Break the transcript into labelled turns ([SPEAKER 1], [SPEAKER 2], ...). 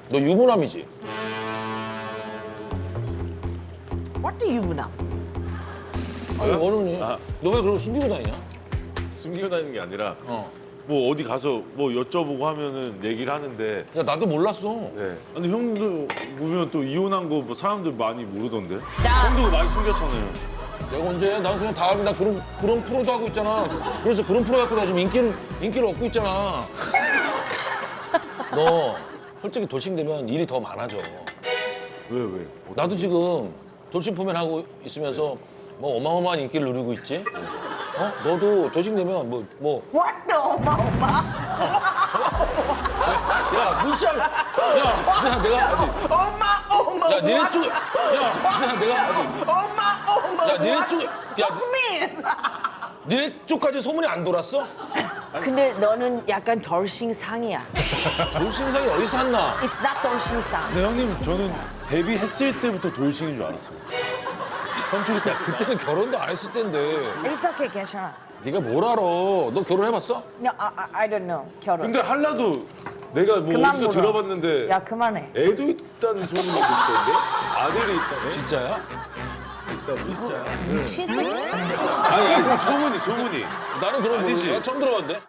[SPEAKER 1] 너 유부남이지?
[SPEAKER 2] What do you know?
[SPEAKER 1] 아니 어른이 너 왜 그러고 숨기고 다니냐?
[SPEAKER 3] 숨기고 다니는 게 아니라
[SPEAKER 1] 어.
[SPEAKER 3] 뭐 어디 가서 뭐 여쭤보고 하면은 얘기를 하는데
[SPEAKER 1] 야 나도 몰랐어.
[SPEAKER 3] 네. 근데 형도 보면 또 이혼한 거 뭐 사람들 많이 모르던데?
[SPEAKER 2] 나-
[SPEAKER 3] 형도 많이 숨겼잖아요.
[SPEAKER 1] 내가 언제? 난 그냥 다 나 그런 프로도 하고 있잖아. 그래서 그런 프로 갖고 나 지금 인기를 얻고 있잖아. 너 솔직히 돌싱 되면 일이 더 많아져.
[SPEAKER 3] 왜 왜?
[SPEAKER 1] 나도 지금 돌싱 포맨 하고 있으면서 뭐 어마어마한 인기를 누리고 있지. 어? 너도 돌싱 되면 뭐
[SPEAKER 2] What the 엄마?
[SPEAKER 1] 야, 문시야. 야, 진짜 내가
[SPEAKER 2] 엄마.
[SPEAKER 1] 야, 니네 쪽. 야, 진짜 내가
[SPEAKER 2] 엄마.
[SPEAKER 1] 야, 니네 쪽. 야,
[SPEAKER 2] Mean.
[SPEAKER 1] 니네 쪽까지 소문이 안 돌았어?
[SPEAKER 2] 근데 너는 약간 덜싱상이야.
[SPEAKER 1] 돌싱상이 어디서 샀나?
[SPEAKER 2] It's not 덜싱상.
[SPEAKER 3] 근데 형님 저는 데뷔했을 때부터 돌싱인 줄 알았어요. 선출이 야
[SPEAKER 1] 그때는 결혼도 안 했을 텐데.
[SPEAKER 2] It's okay, 괜찮아.
[SPEAKER 1] 네가 뭘 알아? 너 결혼해봤어?
[SPEAKER 2] No, I don't know. 결혼.
[SPEAKER 3] 근데 할라도 내가 뭐
[SPEAKER 2] 그만
[SPEAKER 3] 어디서
[SPEAKER 2] 물어.
[SPEAKER 3] 들어봤는데
[SPEAKER 2] 야, 그만해.
[SPEAKER 3] 애도 있다는 소문이 듣던데? 아들이 있다네?
[SPEAKER 1] 진짜야?
[SPEAKER 2] 미친 새끼.
[SPEAKER 3] 아니 소문이
[SPEAKER 1] 나는 그런 거
[SPEAKER 3] 아니지.
[SPEAKER 1] 모르지. 처음 들어봤는데.